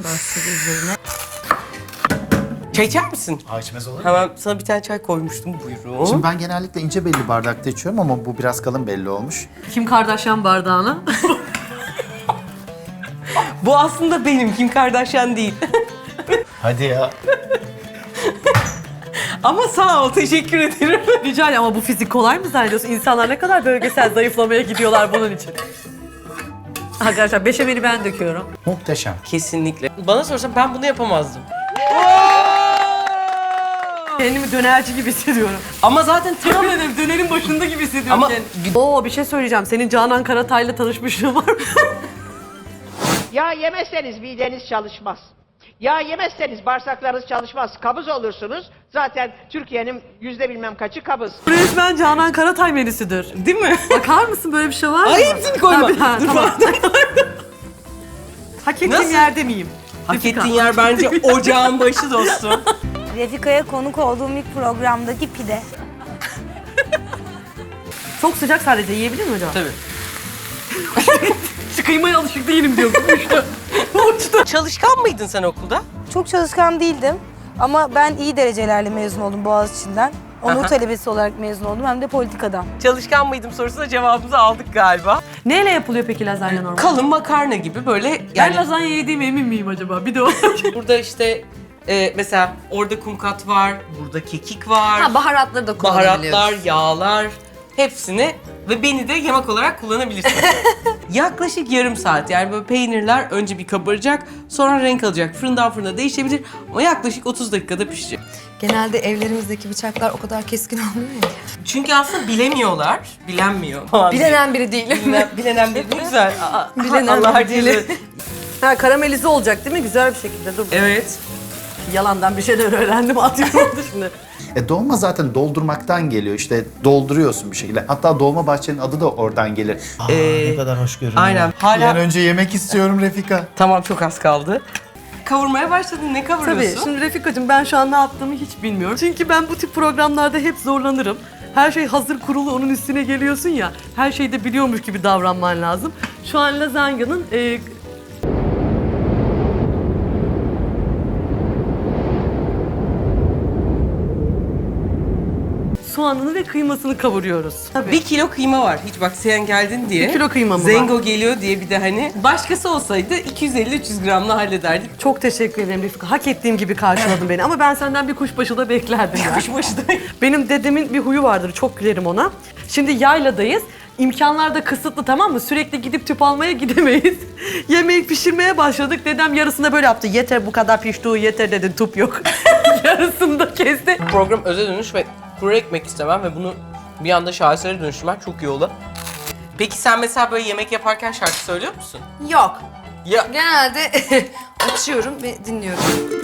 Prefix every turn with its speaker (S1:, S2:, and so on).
S1: Başladı üzerine.
S2: Çay içer misin?
S3: İçmez olur mu?
S2: Hemen sana bir tane çay koymuştum, buyurun.
S3: Şimdi ben genellikle ince belli bardakta içiyorum ama bu biraz kalın belli olmuş.
S1: Kim Kardashian bardağına?
S2: Bu aslında benim, Kim Kardashian değil.
S3: Hadi ya.
S2: Ama sağ ol, teşekkür ederim.
S1: Rica ederim ama bu fizik kolay mı zannediyorsun? İnsanlar ne kadar bölgesel zayıflamaya gidiyorlar bunun için. Arkadaşlar beşameli ben döküyorum.
S3: Muhteşem.
S2: Kesinlikle. Bana sorsan ben bunu yapamazdım.
S1: Kendimi dönerci gibi hissediyorum.
S2: Ama zaten tam...
S1: Yemin ederim dönerin başında gibi hissediyorum
S2: Ama-
S1: kendimi. Oo bir şey söyleyeceğim. Senin Canan Karatay'la tanışmışlığın var mı?
S4: Yağ yemezseniz mideniz çalışmaz. Yağ yemezseniz bağırsaklarınız çalışmaz. Kabız olursunuz. Zaten Türkiye'nin bilmem kaçı kabız.
S1: Resmen Canan Karatay menüsüdür.
S2: Değil mi?
S1: Bakar mısın böyle bir şey var mı?
S2: Ay hepsini koyma. Dur,
S1: tamam.
S2: pardon.
S1: Hak ettiğim
S2: Nasıl?
S1: yerde miyim?
S2: Hak
S1: Refika.
S2: ettiğin yer bence ocağın başı dostum.
S5: Refika'ya konuk olduğum ilk programdaki pide.
S1: Çok sıcak sadece yiyebilir mi acaba?
S2: Tabii.
S1: Kıymaya alışık değilim diyor. Uçtu.
S2: Çalışkan mıydın sen okulda?
S5: Çok çalışkan değildim ama ben iyi derecelerle mezun oldum Boğaziçi'nden. Onur
S2: Aha.
S5: talebesi olarak mezun oldum hem de politikadan.
S2: Çalışkan mıydım sorusuna cevabımızı aldık galiba.
S1: Neyle yapılıyor peki lazanya normal?
S2: Kalın makarna gibi böyle
S1: Ben
S2: yani
S1: lazanya yediğime emin miyim acaba? Bir de o.
S2: burada işte mesela orada kumkat var, burada kekik var.
S6: Baharatları da kullanabiliyoruz.
S2: Baharatlar, yağlar hepsini ve beni de yemek olarak kullanabilirsin. Yaklaşık yarım saat yani böyle peynirler önce bir kabaracak sonra renk alacak. Fırından fırına değişebilir ama yaklaşık 30 dakikada pişecek.
S6: Genelde evlerimizdeki bıçaklar o kadar keskin olmuyor ya.
S2: Çünkü aslında bilemiyorlar. Bilenmiyor falan.
S6: Bilenen biri değilim.
S2: Bilenen bir güzel.
S6: Bilenen
S2: Allah
S6: biri değilim.
S2: herkese.
S1: Ha karamelize olacak değil mi? Güzel bir şekilde. Dur.
S2: Evet.
S1: Yalandan bir şeyler öğrendim. Atıyorum oldu şimdi.
S3: Dolma zaten doldurmaktan geliyor. İşte dolduruyorsun bir şekilde. Hatta dolma bahçenin adı da oradan gelir. Ne kadar hoş görünüyor.
S2: aynen. Hala-
S3: Bir an önce yemek istiyorum Refika.
S2: Tamam çok az kaldı. Kavurmaya başladın. Ne kavuruyorsun?
S1: Tabii. Şimdi Refikacığım ben şu an ne yaptığımı hiç bilmiyorum. Çünkü ben bu tip programlarda hep zorlanırım. Her şey hazır kurulu onun üstüne geliyorsun ya. Her şeyi de biliyormuş gibi davranman lazım. Şu an lazanyanın soğanını ve kıymasını kavuruyoruz. Tabii.
S2: 1 kilo kıyma var. Hiç bak sen geldin diye.
S1: 1 kilo kıyma mı var?
S2: Zengo geliyor diye bir de hani. Başkası olsaydı 250-300 gramla hallederdik.
S1: Çok teşekkür ederim Refika. Hak ettiğim gibi karşıladın beni. Ama ben senden bir kuşbaşı da beklerdim. ya.
S2: Kuşbaşı da.
S1: Benim dedemin bir huyu vardır. Çok gülerim ona. Şimdi yayladayız. İmkanlar da kısıtlı tamam mı? Sürekli gidip tüp almaya gidemeyiz. Yemeği pişirmeye başladık. Dedem yarısında böyle yaptı. Yeter bu kadar pişti, yeter dedi. Tüp yok. Yarısını da kesti.
S2: Program öze dönüş ve kuru ekmek istemem ve bunu bir anda şahesere dönüştürmek çok iyi oldu. Peki sen mesela böyle yemek yaparken şarkı söylüyor musun?
S6: Yok.
S2: Ya
S6: Genelde açıyorum ve dinliyorum.